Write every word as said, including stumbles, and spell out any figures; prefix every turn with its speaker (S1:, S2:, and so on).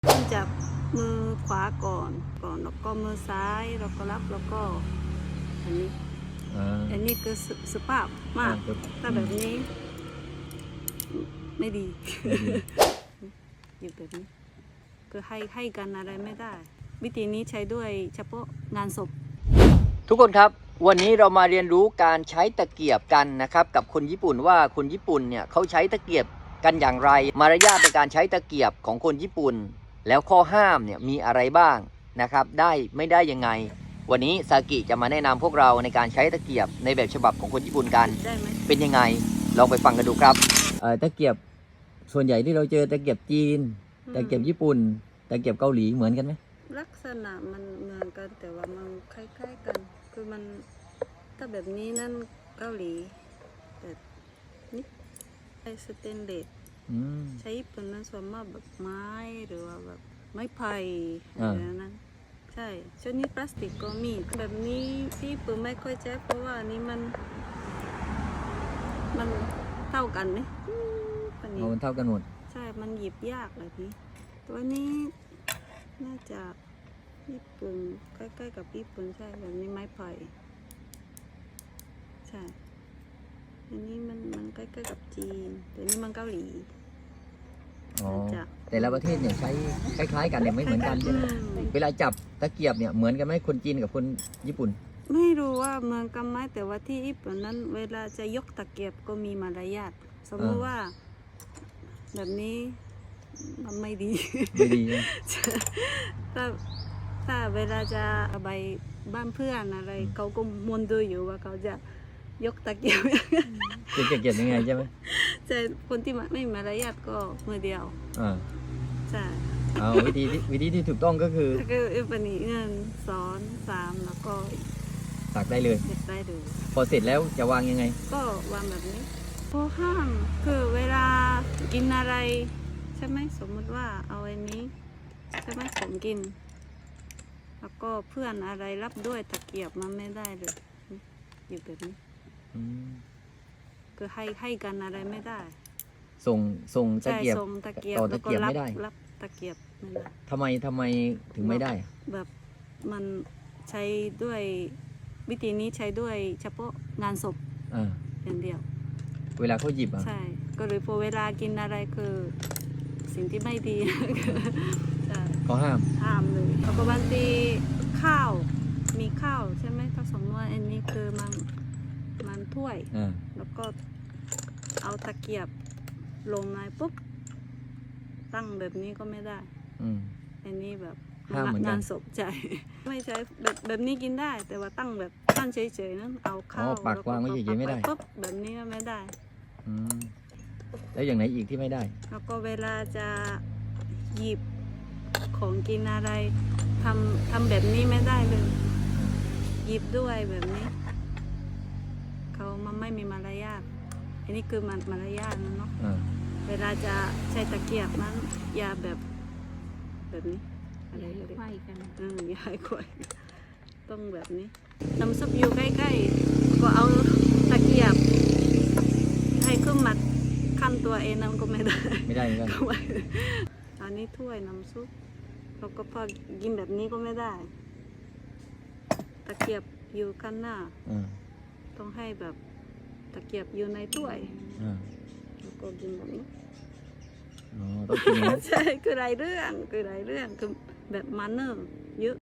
S1: เริ่มจากมือขวาก่อนก่อนแล้วก็มือซ้ายแล้วก็รับแล้วก็อันนี้อันนี้คือสุภาพมากถ้าแบบนี้ไม่ดีอยู่แบบนี้คือให้ให้กันอะไรไม่ได้วิธีนี้ใช้ด้วยเฉพาะงานศพ
S2: ทุกคนครับวันนี้เรามาเรียนรู้การใช้ตะเกียบกันนะครับกับคนญี่ปุ่นว่าคนญี่ปุ่นเนี่ยเขาใช้ตะเกียบกันอย่างไรมารยาทในการใช้ตะเกียบของคนญี่ปุ่นแล้วข้อห้ามเนี่ยมีอะไรบ้างนะครับได้ไม่ได้ยังไงวันนี้ซากิจะมาแนะนำพวกเราในการใช้ตะเกียบในแบบฉบับของคนญี่ปุ่นกัน
S1: ได้ไหม
S2: เป็นยังไงลองไปฟังกันดูครับตะเกียบส่วนใหญ่ที่เราเจอตะเกียบจีนตะเกียบญี่ปุ่นตะเกียบเกาหลีเหมือนกันไหม
S1: ลักษณะมันเหมือนกันแต่ว่ามันคล้ายๆกันคือมันถ้าแบบนี้นั่นเกาหลีแต่นี่ไอสเตนเลสใช้ญี่ปุ่นนั้นส่วนมากแบบไม้หรือว่าแบบไม้ไผ่อะไรนั้นใช่ชนิดพลาสติกก็มีแบบนี้ที่ญี่ปุ่นไม่ค่อยใช้เพราะว่านี้มันมันเท่ากันไหม
S2: มันเท่ากันหมด
S1: ใช่มันหยิบยากแบบนี้ตัวนี้น่าจะญี่ปุ่นใกล้ๆกับญี่ปุ่นใช่แบบนี้ไม้ไผ่ใช่อันนี้มันมันใกล้ๆกับจีนแต่นี่มันเกาหลี
S2: อ๋อแต่ละประเทศเนี่ยใช้คล้ายๆกันเนี่ยไม่เหมือนกันใช่ไหมเวลาจับตะเกียบเนี่ยเหมือนกันไหมคนจีนกับคนญี่ปุ่น
S1: ไม่รู้ว่าเหมือนกันไหมแต่ว่าที่ญี่ปุ่นนั้นเวลาจะยกตะเกียบก็มีมารยาทสมมติว่าแบบนี้มันไม่ดี
S2: ไม่ดี
S1: ถ้าถ้าเวลาจะไปบ้านเพื่อนอะไรเขาก็มวนดูอยู่ว่าเขาจะยกตะเกียบ
S2: จะเกียบยังไงใช่ไหม
S1: ใช่คนที่ไม่มีมารยาทก็มือเดียว
S2: อ่า
S1: ใช่
S2: เอาวิธีวิธีที่ถูกต้องก็คือ
S1: คืออุปนิเงินสอนสามแล้วก็
S2: ตักได้เลย
S1: ตักได้เลย
S2: พอเสร็จแล้วจะวางยังไง
S1: ก็วางแบบนี้พอห้ามคือเวลากินอะไรใช่ไหมสมมติว่าเอาอันนี้ใช่ไหมผมกินแล้วก็เพื่อนอะไรรับด้วยตะเกียบมันไม่ได้เลยอยู่แบบนี้คือให้ให้กันอะไรไม่ได้
S2: ส่งส่งตะเกียบต่อตะเกียบไม่ได้
S1: รับตะเกียบไม่ได้
S2: ทำไมทำไมถึงไม่ได้
S1: แบบมันใช้ด้วยวิธีนี้ใช้ด้วยเฉพาะงานศพอย่างเดียว
S2: เวลาเขาหยิบอ่ะ
S1: ใช่ก็เลยพอเวลากินอะไรคือสิ่งที่ไม่ดี
S2: เขาห้าม
S1: ห้ามเลยแล้วก็บางทีข้าวมีข้าวใช่ไหมถ้าสมมติว่าอันนี้คือมันมันถ้วยแล้วก็เอาตะเกียบลงในปุ๊บตั้งแบบนี้ก็ไม่ได้อันนี้แบบงานศพใจไม่ใช่แบบแบบนี้กินได้แต่ว่าตั้งแบบตั้งเฉยๆนั้นเอาข้าว
S2: ปากวางไว้เฉยๆไม่ได้
S1: ปุ๊บแบบนี้ก็ไม่ได้
S2: แล้วอย่างไหนอีกที่ไม่ได้
S1: แล้วก็เวลาจะหยิบของกินอะไรทำทำแบบนี้ไม่ได้เลยหยิบด้วยแบบนี้เขามันไม่มีมารยาทอันนี้คือมันมารยาทนะเนาะเวลาจะใช้ตะเกียบนั้นอย่าแบบแบบนี้
S3: อะไรไขว้กัน
S1: อืมอย่าให้ไขว้ต้องแบบนี้น้ำซุปอยู่ใกล้ๆก็เอาตะเกียบให้ขึ้นมาขั้นตัวเองนั่นก็ไม่ได้
S2: ไม่ได้เหมือนกัน
S1: อันนี้ถ้วยน้ำซุปเราก็พอกินแบบนี้ก็ไม่ได้ตะเกียบอยู่กันหน้าต้องให้แบบตะเกียบอยู่ในถ้วยแล้วก็กินแบบนี้
S2: อ๋อต้องกินอย่างนั้น
S1: ใช่คือหลายเรื่องคือหลายเรื่องคือแบบมันเนอร์เยอะ